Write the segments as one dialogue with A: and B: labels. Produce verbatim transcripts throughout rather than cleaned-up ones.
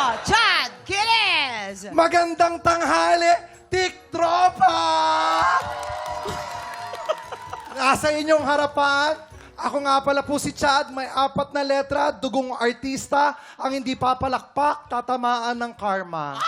A: Chad Kiles!
B: Magandang tanghali, Tik Tropa! Nasa inyong harapan, ako nga pala po si Chad, may apat na letra, dugong artista, ang hindi papalakpak, tatamaan ng karma.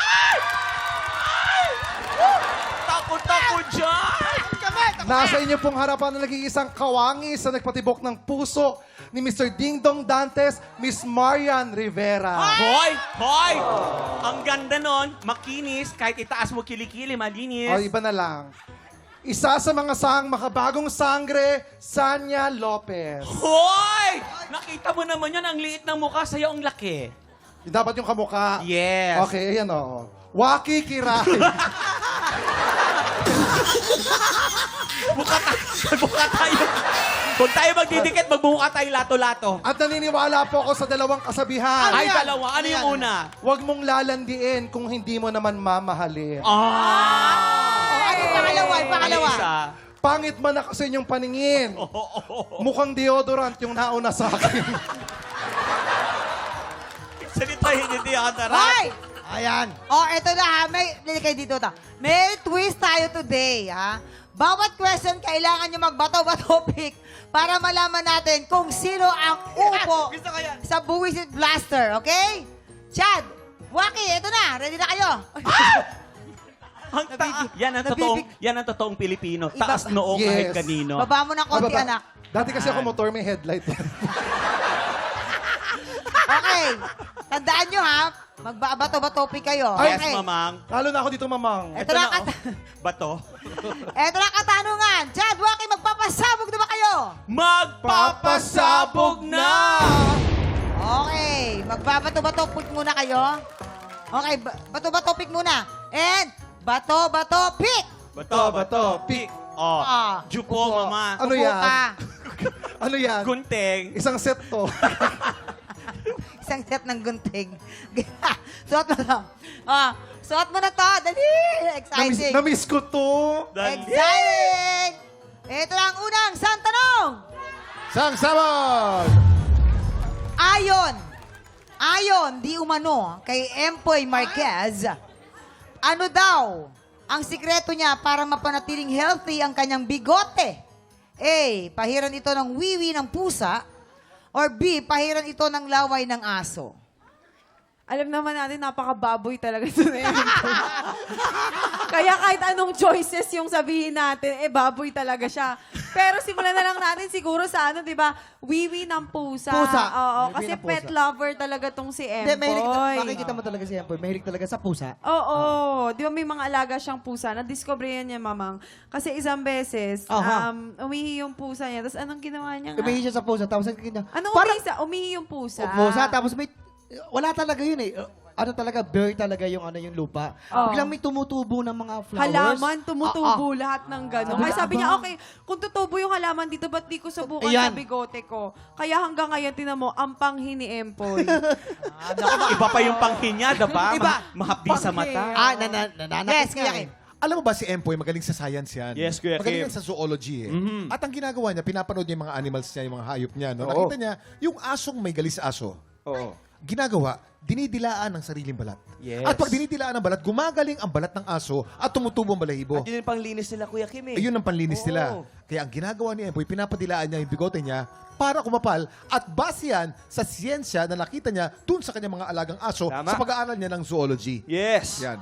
C: Takot-takot dyan!
B: Nasa inyo pong harapan na nag-iisang kawangis sa nagpatibok ng puso ni Mister Dingdong Dantes, Miss Marian Rivera.
C: Hoy! Hoy! Ang ganda nun, makinis, kahit itaas mo kilikili, malinis.
B: O, iba na lang. Isa sa mga sang makabagong sangre, Sanya Lopez.
C: Hoy! Nakita mo naman yan, ang liit ng mukha, sa'yo ang laki.
B: Dapat yung kamukha.
C: Yes.
B: Okay, ayan o. Waki Kiray.
C: Buka tayo. Buka tayo. Kung tayo magdidikit, magbuka tayo lato-lato.
B: At naniniwala po ako sa dalawang kasabihan.
C: Ay, dalawa. Ano yung una?
B: Huwag mong lalandiin kung hindi mo naman mamahalin.
C: Ah!
A: Oh, ano yung pangalawa? Yung pangalawa?
C: Isa.
B: Pangit man na kasi yung paningin. Mukhang deodorant yung nauna sa akin.
C: Salitahin niyo di ako
A: Hoy!
B: Ayan.
A: Oh, eto na ha. May, dili kayo dito ta. May twist tayo today, ha? Bawat question, kailangan nyo magbato-bato pick para malaman natin kung sino ang upo
C: Gusto ko yan.
A: sa Buwisit Blaster, okay? Chad, Waki, eto na. Ready na kayo?
C: Ang ta- yan ang totoong, yan ang totoong Pilipino.
A: Iba-
C: Taas noo
B: Yes.
C: kahit kanino.
A: Baba mo ng konti,
B: Bababa.
A: anak.
B: Dati kasi ako motor, may headlight.
A: Okay. Tandaan nyo, ha? Magbabato-bato pick kayo.
C: Yes,
A: Okay.
C: mamang.
B: Lalo na ako dito, mamang.
A: Eto
C: Ito
A: na,
C: na,
A: kat-
C: oh. Bato.
A: eto na katanungan. Chad, Waki, magpapasabog na ba kayo?
C: Magpapasabog na!
A: Okay, magbabato-bato pick muna kayo. Okay, ba- bato-bato pick muna. And bato-bato pick.
C: Bato, bato, pick. Oh,
A: Ah.
C: jupo, mama.
B: Ano
A: Upo
B: yan?
A: ka.
B: Ano yan?
C: Gunting.
B: Isang set to.
A: Isang set ng gunting. Suot mo na. Ah, suot mo na to. Dali.
B: Namiss,
A: Exciting.
B: namiss ko to.
C: Dali.
A: Exciting. Ito na ang unang sang tanong.
B: Sang sabon!
A: Ayon. Ayon, di umano, kay Empoy Marquez, ano daw ang sikreto niya para mapanatiling healthy ang kanyang bigote? A. Pahiran ito ng wiwi ng pusa. Or B. Pahiran ito ng laway ng aso.
D: Alam naman natin, napaka-baboy talaga ito na yun. Kaya kahit anong choices yung sabihin natin, eh, baboy talaga siya. Pero simulan na lang natin siguro sa ano, di ba? Wiwi ng pusa.
E: Pusa.
D: Oo,
E: Wiwi
D: kasi
E: ng pusa.
D: pet lover talaga tong si
E: Hindi, mahilig,
D: Empoy.
E: makikita mo talaga si Empoy. Mahilig talaga sa pusa.
D: Oo, di ba may mga alaga siyang pusa? Na-discover yan niya, mamang. Kasi isang beses,
E: Aha.
D: um, umihi yung pusa niya. Tapos anong ginawa niya nga?
E: Umihi siya sa pusa, tapos ang kanya.
D: Anong
E: Parang-
D: umihi sa? Umihi yung pusa.
E: O, pusa, tapos may, wala talaga yun eh. Uh, Ano talaga, bare talaga yung ano yung lupa.
D: Oo.
E: Biglang may tumutubo ng mga flowers.
D: Halaman, tumutubo
E: Ah,
D: lahat ng gano'n.
E: Sabi
D: Kaya
E: niya,
D: sabi niya,
E: "Aba."
D: okay, kung tutubo yung halaman dito, ba't di ko subukan
E: Ayan.
D: sa bigote ko? Kaya hanggang ngayon, tinan mo, ang panghi ni Empoy.
C: Iba pa yung panghin niya, diba?
E: Iba.
C: Ma- mahapdi sa mata.
E: Ah, na, na, nananakit
A: Yes,
E: nga
A: Kuya
E: eh.
A: Kim.
F: Alam mo ba si Empoy, magaling sa science yan.
C: Yes, Kuya
F: Magaling
C: Kim.
F: yan sa zoology eh. At ang ginagawa niya, pinapanood niya yung mga animals niya, yung mga hayop niya. No?
B: Oo.
F: Nakita niya, yung asong may galis aso,
B: Oo.
F: ginagawa, dinidilaan ng sariling balat.
C: Yes.
F: At pag dinidilaan ng balat, gumagaling ang balat ng aso at tumutubo ang balahibo.
C: At yun yung panglinis nila, Kuya Kim eh.
F: Ayun ang panlinis
C: Oo.
F: nila. Kaya ang ginagawa ni Empoy, pinapadilaan niya yung bigote niya para kumapal at base yan sa siyensya na nakita niya dun sa kanyang mga alagang aso
C: Tama.
F: sa pag-aaral niya ng zoology.
C: Yes.
F: Yan.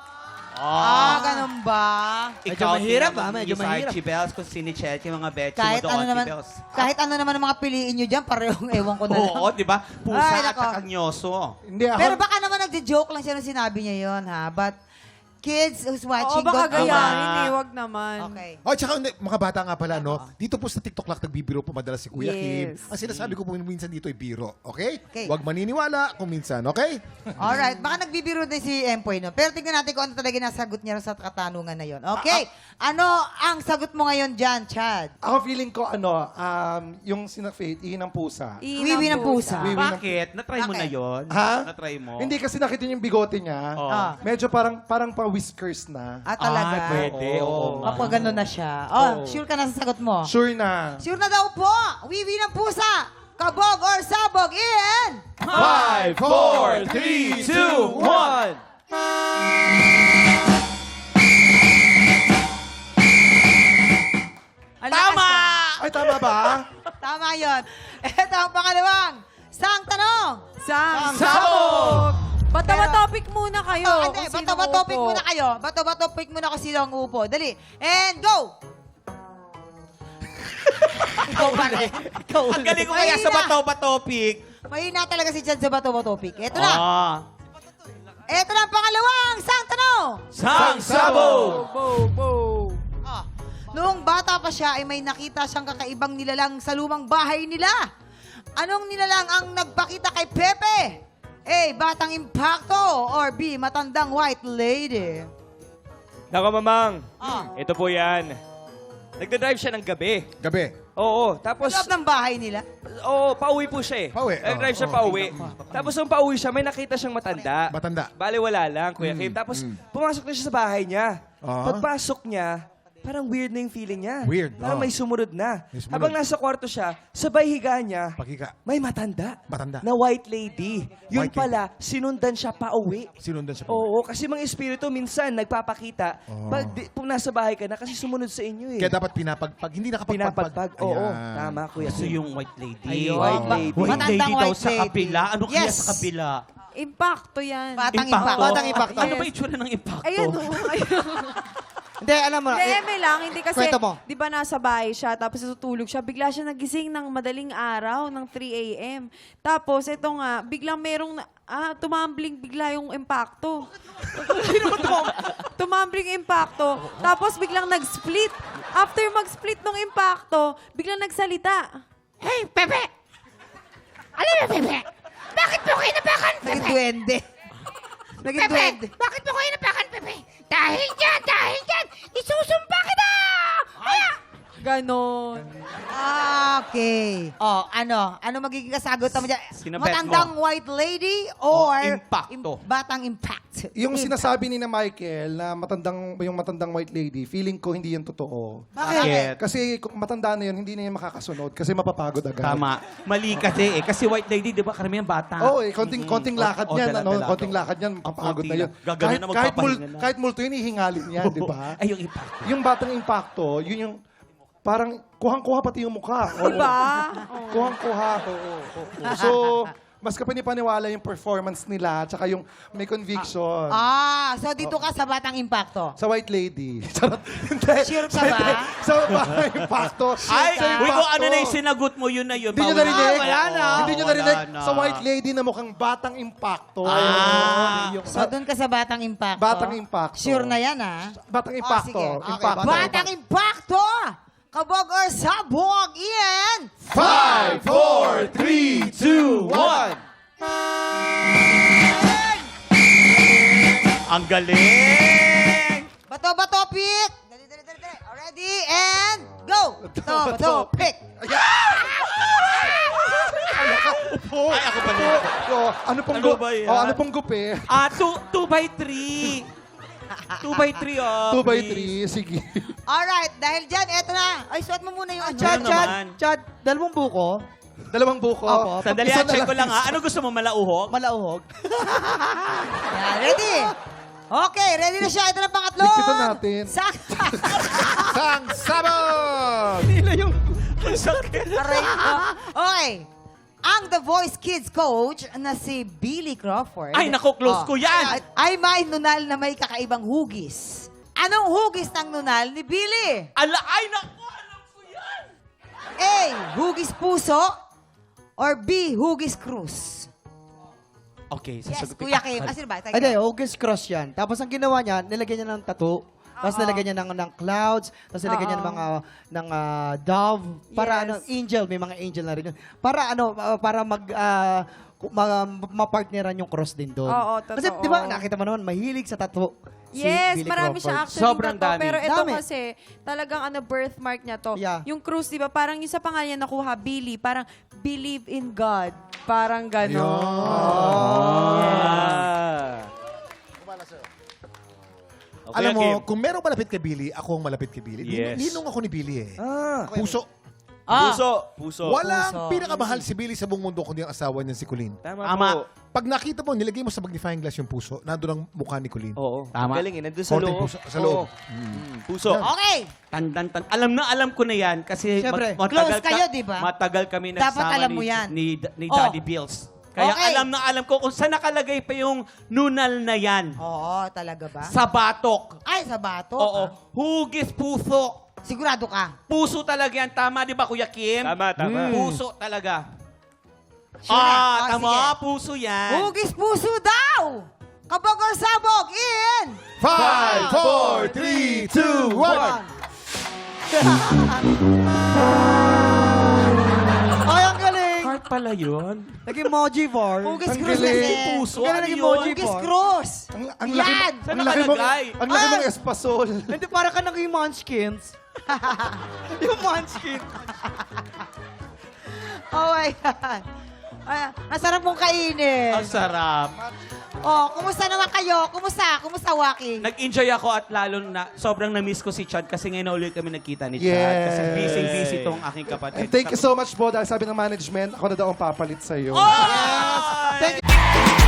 A: Ah, ganun ba?
E: Medyo mahirap, ah, medyo mahirap.
C: Archibels, kung sinicheck yung mga betchy
A: Kahit
C: mo doon,
A: ano naman,
C: Archibels.
A: kahit ano naman ang mga piliin nyo dyan, parehong ewan ko na lang.
C: Oo, di ba? Pusa
A: Ay,
C: at
A: nako.
C: saka nyoso.
B: Hindi ako.
A: Pero baka naman nagja-joke lang siya nung sinabi niya yon ha? But kids who's
D: Oo,
A: watching,
D: baka
A: God bless.
D: gayahin eh, wag naman.
A: Okay.
F: Oh, tsaka hindi, mga bata nga pala, no? Dito po sa TikTok lang nagbibiro po madalas si Kuya Kim.
D: Yes.
F: Ang sinasabi ko po minsan dito ay biro, okay?
A: Okay.
F: Huwag maniniwala kung minsan, okay?
A: Alright, baka nagbibiro din si Empoy, no? Pero tingnan natin kung ano talaga nasagot niya sa katanungan na yon. Okay, ano ang sagot mo ngayon dyan, Chad?
B: Ako feeling ko, ano, um, yung sinafate, ihin ng pusa.
A: Wiwi ng pusa.
B: Wiwi ng-
C: Bakit? Na-try mo na
A: Bakit?
C: yon?
B: Ha?
C: Na-try mo?
B: Hindi kasi nakita niyo yung bigote niya.
C: Oo.
A: Ah.
B: Medyo parang parang pa-whiskers na.
A: Ah, talaga?
C: Ay, pwede. Oo.
A: Kapag gano'n na siya. Oh, sure ka na sa sagot mo?
B: Sure na.
A: Sure na daw po. Wiwi ng pusa. Kabog or sabog in...
C: Five, four, three, two, one.
A: Ang lakas
C: Tama!
A: ka.
B: Ay, tama ba?
A: Tama yun. Ito ang pangalawang. Sang tanong.
D: Sang
C: Sabog!
D: Bato ba
A: Pero-
D: topic muna kayo?
A: Oh, hindi,
D: kung
A: bato
D: sino
A: ba topic
D: upo.
A: muna kayo? Bato ba topic muna kung sino ang upo? Dali. And go! Ikaw pa rin. Ikaw
C: Ang galing ko kaya sa bato ba topic.
A: Mahina talaga si Chad sa bato ba topic. Ito na.
C: Ah.
A: Ito na ang pangalawang. Sang tanong.
C: Sang sabog!
D: Bo, bo.
A: Ah, noong bata pa siya ay may nakita siyang kakaibang nilalang sa lumang bahay nila. Anong nilalang ang nagpakita kay Pepe? A. Batang impacto or B. Matandang white lady?
G: Nako, mamang.
A: Ah.
G: Ito po yan. Nagda-drive siya ng gabi.
F: Gabi.
G: Oo, tapos...
A: Loob ng bahay nila.
G: Oo, pauwi po siya eh.
F: Pauwi,
G: Nag-drive
F: oo,
G: siya
F: oo.
G: pauwi. Tapos nung pauwi siya, may nakita siyang matanda.
F: Matanda.
G: Bale, wala lang, Kuya Kim. Tapos pumasok na siya sa bahay niya.
F: Ah.
G: Pagpasok niya, parang weird na yung feeling niya.
F: Weird,
G: Parang
F: oo.
G: may sumunod na.
F: May sumunod.
G: Habang nasa kwarto siya, sabay higa niya,
F: Paghiga.
G: may matanda.
F: Matanda.
G: Na white lady. Yun
F: White lady.
G: pala, sinundan siya pauwi.
F: Sinundan siya.
G: Oo, kasi mga espiritu minsan nagpapakita
F: Oo.
G: pag di, kung nasa bahay ka na kasi sumunod sa inyo eh.
F: Kaya dapat pinapagpag. Hindi nakapagpagpag.
G: Pinapagpag. Oo,
F: Ayan.
G: tama Kuya.
C: So yung white lady.
A: Ayun.
G: White
A: Ba-
G: lady.
C: White
A: Matandang
C: lady daw
A: white
C: sa
A: lady.
C: kabila. Ano kaya
A: Yes.
C: sa kabila?
D: Impacto yan.
A: Batang
C: Impacto.
A: impacto.
E: Batang impacto.
C: Ano ba itsura ng impacto?
D: Ayan o.
E: Hindi, alam mo.
D: Hindi,
E: eh,
D: eme lang. Hindi kasi,
E: Kwento mo.
D: di ba nasa bahay siya, tapos natutulog siya, bigla siya nagising ng madaling araw, ng three a.m. Tapos, ito nga, biglang merong, na- ah, tumambling bigla yung impacto. tumambling impacto. Tapos, biglang nag-split. After mag-split ng impacto, biglang nagsalita.
A: Hey, Pepe! Ano na, Pepe? Bakit mo kayo napakan, Pepe? Naging duwende. Naging duwende.
H: Bakit mo kayo napakan, Pepe? Dahil dyan, dahil dyan, isusumpa kita! Kaya,
D: Ganon.
A: Ah, okay. Oh, ano? Ano magiging kasagot mo dyan?
C: Sinabet
A: Matandang
C: mo.
A: white lady or
C: O, impacto.
A: im- batang impact?
B: Yung
A: Impact.
B: sinasabi ni na Michael na matandang yung matandang white lady, feeling ko hindi yan totoo.
A: Bakit?
B: Kasi kung matanda na yun, hindi na yan makakasunod kasi mapapagod agad.
C: Tama. Mali kasi eh. Kasi white lady, di ba, karamihan bata.
B: Oo, eh, konting, konting lakad
C: O,
B: niyan,
C: dala-
B: ano,
C: dala-
B: konting lakad niyan, mapapagod
C: konti
B: na yun.
C: lang. Gaganon na
B: kahit,
C: magpapahinga
B: mul-
C: na.
B: kahit multo yun, ihingalin niyan, di ba?
C: Ay, yung impacto.
B: Yung batang impacto, yun yung parang kuhang-kuha pati yung mukha. Oo.
D: Diba?
B: Kuhang-kuha. Oo, oo, oo. So, mas kapanipaniwala yung performance nila tsaka yung may conviction.
A: Ah, so dito ka sa batang impacto.
B: Sa White Lady. Charot. Hindi.
A: Sure ka ba?
B: Sa batang impacto.
C: Ay,
B: Sa
C: uy, kung ano
B: impacto.
C: na yung sinagot mo, yun na yun.
B: Hindi nyo
C: Bawal.
B: narinig?
C: Ah, wala na.
B: Hindi nyo
C: Wala
B: narinig?
C: na.
B: Sa White Lady na mukhang batang impacto.
C: Ah.
B: Yung
A: So doon ka sa batang impacto.
B: Batang impacto.
A: Sure na yan, ah.
B: Batang
A: Oh,
B: impacto.
A: sige.
B: Impacto.
A: Batang impacto! Kabog or sabog, Ian!
B: Five, four,
C: three, two, one. Ang galing!
A: Bato, bato, pick! Dali, dali, dali, dali. Ready, and go! Bato, bato, pick!
C: Ay, ako pa rin.
B: Oh, ano pong
C: Ano
B: gu-
C: ba yan?
B: Oh, ano pong gupi?
C: Ah, two, two by three. Two by three, oh.
B: Two by
C: please.
B: three, sige.
A: Alright, dahil dyan, eto na. Ay, suot mo muna yung ano.
E: Chad,
C: Ano
E: Chad,
C: naman?
E: Chad, dalawang buko,
B: Dalawang buko.
E: Opo.
C: Sandali,
B: Isa
C: ah, check
B: na
C: ko lang ha. Ano gusto mo, malauhog?
E: malauhog.
A: Yan, ready? Okay, ready na siya. Ito na pangatlo.
B: Ligpitan natin.
A: Sak.
F: Sang sabog!
A: Aray ko. Okay. Ang The Voice Kids coach na si Billy Crawford.
C: Ay, naku, close ko yan.
A: Ay may nunal na may kakaibang hugis. Anong hugis ng nunal ni Billy?
C: Ala, ay, naku, alam ko yan.
A: A. Hugis puso or B. Hugis krus?
C: Okay,
A: Yes,
C: sasagutin
A: Kuya
C: ko.
A: Kim. Ah, sino ba? Tayo.
E: Hindi, August cross yan. Tapos ang ginawa niya, nilagyan niya ng tattoo. Tapos nilagyan niya ng, ng clouds. Tapos nilagyan niya ng mga ng ah, dove. Para
D: Yes.
E: ano, angel. May mga angel na rin yun. Para ano, ah, para mag... ah, ku- ma- ma-partneran yung cross din doon.
D: Oo,
E: Kasi
D: totoo.
E: di ba, nakita mo naman, mahilig sa tattoo. si
D: Yes,
E: Billy
D: marami siya
E: Crawford.
D: actually
C: Sobrang
D: na to.
C: dami.
D: Pero ito
E: Dami.
D: kasi, talagang ano, birthmark niya to.
E: Yeah.
D: Yung cruise, di ba, parang yung sa pangalan niya nakuha, Billy, parang believe in God. Parang gano'n.
G: Ah. Okay,
F: Alam mo,
G: Kim.
F: kung merong malapit kay Billy, ako ang malapit kay Billy. Nin-
G: Yes.
F: Ninong ako ni Billy eh.
G: Ah.
F: Puso.
A: Ah.
G: Puso. Puso.
F: Walang pinakamahal si Billy sa buong mundo kundi ang asawa niya si Colleen.
G: Tama,
C: Tama.
G: po.
F: Pag nakita mo, nilagay mo sa magnifying glass yung puso, nandun ang mukha ni Colleen.
G: Oo.
C: Tama.
G: Ang galing eh. Nandun sa
F: Konting
G: loob.
F: puso- sa loob.
G: Oo. Mm, Puso.
A: Okay.
C: Tandan, tan. Alam na alam ko na yan kasi
E: Siyempre,
C: mat- matagal
A: close kayo,
C: ka-
A: di ba?
C: Matagal kami
A: Dapat
C: nagsama
A: alam
C: ni,
A: mo yan.
C: ni, ni
A: Oh.
C: Daddy Bills. Kaya
A: Okay.
C: alam na alam ko kung saan nakalagay pa yung nunal na yan.
A: Oo, talaga ba?
C: Sa batok.
A: Ay, sa bato.
C: Oo.
A: ah.
C: Hugis puso.
A: Sigurado ka.
C: Puso talaga yan. Tama, di ba, Kuya Kim?
G: Tama, tama.
C: Puso talaga.
A: Sure.
C: Ah,
A: Oh,
C: tama.
A: sige.
C: Puso yan.
A: Hugis puso daw! Kabog or sabog in...
F: Five, four, three, two, one.
E: Ay, ang galing!
C: Heart pala yun.
E: Nag-emoji bar.
A: Hugis
B: Ang
A: cross
B: galing.
A: kasi.
C: Puso.
E: Ang galing
C: Ano
E: ng
C: yun?
E: emoji
A: Hugis
E: bar.
A: cross.
B: Ang, ang laki,
A: Yan!
C: Saan
B: ang laki mong,
C: nakalagay?
B: ang laki
A: Ah!
B: mong espasol.
E: Hindi, para ka naging munchkins. Yung munchkin.
A: Oh my God. Ay, ang sarap mong kainin.
C: Ang sarap.
A: Oh, kumusta naman kayo? Kumusta? Kumusta, Waki?
C: Nag-enjoy ako at lalo na sobrang na-miss ko si Chad kasi ngayon na ulit kami nagkita ni Chad.
B: Yes.
C: Kasi busy-busy tong aking kapatid.
B: And thank you so much po dahil sabi ng management, ako na daw ang papalit sa'yo.
C: Oh!
A: Thank